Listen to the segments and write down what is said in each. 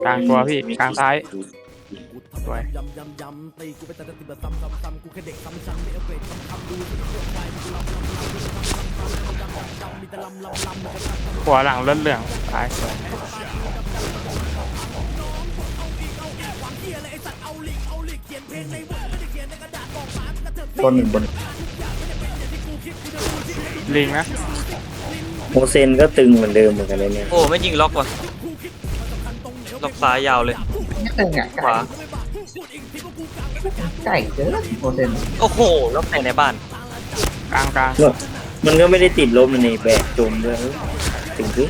กลางตัวพี่กลางซ้ายสวยหัวหลังเลือดเหลืองตายสวยตัวหนึ่งบนลิงนะโมเซนก็ตึงเหมือนเดิมเหมือนกันเลยเนี่ยโอ้ไม่ยิงล็อกว่ะล็อกซ้ายยาวเลยไม่ตึงอ่ะขวาไก่เจอโมเซนโอ้โหล็อกในบ้านกลางกลางมันก็ไม่ได้ติดลบในแบกจมด้วยถึงคือ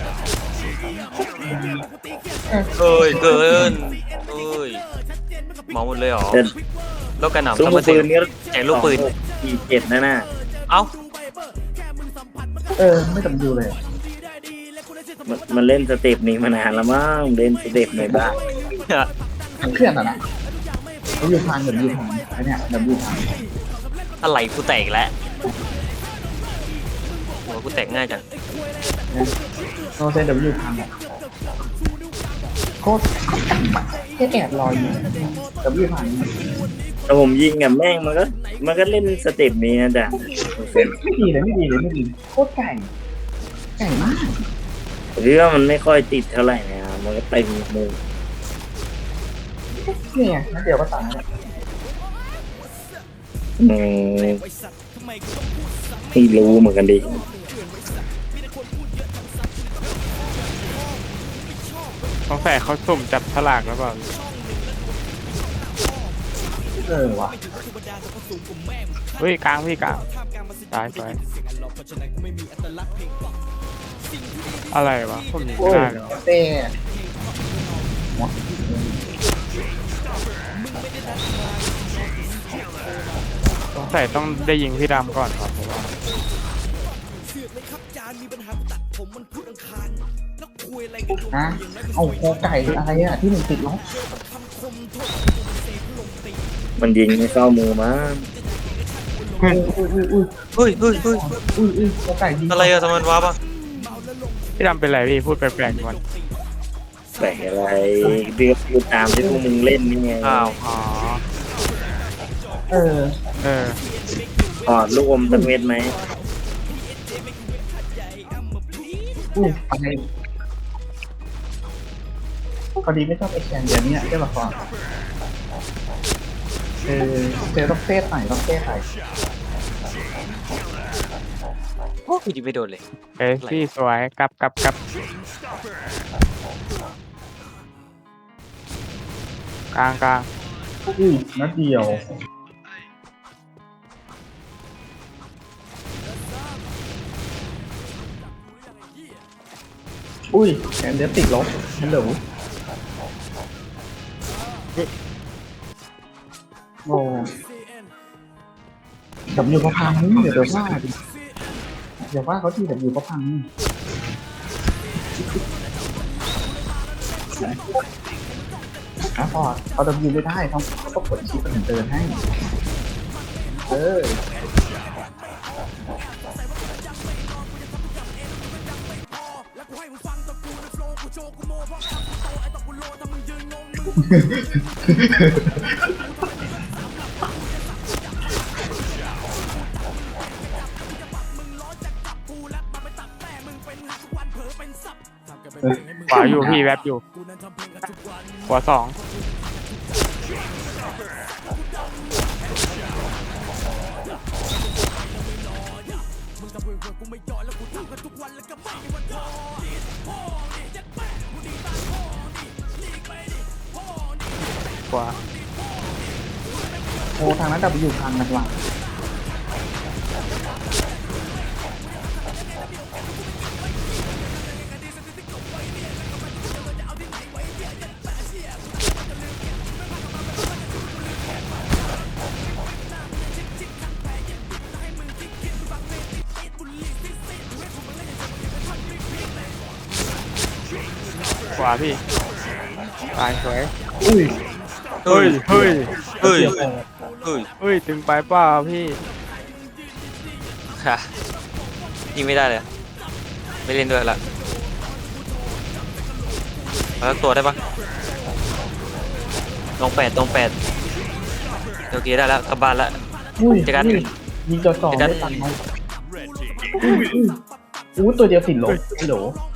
เอ้ยเกินเอ้ยเมาหมดเลยเหรอแต่แล้วกระหน่ำซุ้มทำมาปืนนี่แจกลูกปืน 47นะน่ะเอ้าไม่จำดูเลยมันเล่นสเต็ปนี้มานานแล้วมั้งเล่นสเต็ปในบ้านทั้งเครื่องอ่ะนะเราอยู่ทางแบบอยู่ทางไอ้เนี่ยแบบอยู่ทางอะไรกูแตกแล้วหัวกูแตกง่ายจังโมเซนแบบอยู่ทางแบบโคตรจังอะแค่แอบรออยู่แบบอยู่ทางแต่ผมยิงกับแม่งมันก็เล่นสเต็ปนี้นะจ๊ะโมเซนไม่ดีเลยไม่ดีเลยไม่ดีโคตรไก่ไก่มากหรือว่ามันไม่ค่อยติดเท่าไหร่นะมันก็เต็มมือเนี่ยนั่นเดียวก็ตายแล้วไม่รู้เหมือนกันดิต้องใส่เขาสุ่มจับฉลากแล้วเปล่าว่ะเฮ้ยกลางพี่กลางตายสวยอะไรวะผมยิงโอ้ไม่ยได้เลยวะเต้ต้องใส่ต้องได้ยิงพี่ดำก่อนครับผมว่านะเอาโคไก่อะไรอ่ะที่มันติดล็อกมันยิงไม่เข้ามือมั้งอุ้ยโคไก่ดีอะไรอะทำไมมันว้าปะพี่ดำเป็นไรพี่พูดแปลกๆก่อนแบกอะไรเดือดพูดตามที่พวกมึงเล่นนี่ไงอ้าวอ๋อเออเออถอดลูกอมสักเม็ดไหมอะไรพอดีไม่ชอบไอแคนเดียวนี้ได้มาก่อนเจอต้องเซตใหม่ต้องเซตใหม่โอ้กูยิงไม่โดนเลยเอ้ยพี่สวยกลับกลางกลางนัดเดียวแคนเดียวติดลบฮัลโหลโอ้ดับยูเขาพังเดี๋ยวว่าดิเดี๋ยวว่าเขาที่ดับยูเขาพังพอเขาดับยูไม่ได้เขาต้องกดชิปเป็นเดินให้ขวาอยู่พี่แวบอยู่ขวาสองขวาโอ้ทางนั้นดับยูพังนะว่ะขวาพี่ตายสวยเฮ้ยเฮ้ยเฮ้ยเฮ้ยเฮ้ยถึงไปเปล่าพี่ค่ะยิงไม่ได้เลยไม่เล่นด้วยละแล้วตัวได้ปะเอตรงแปดโอเคได้แล้วกลับบ้านแล้วอุ้ยเจอกันยิงจ่อเจอกันได้ตังค์ไหมอู้ตัวเดียวติดลบฮัลโหล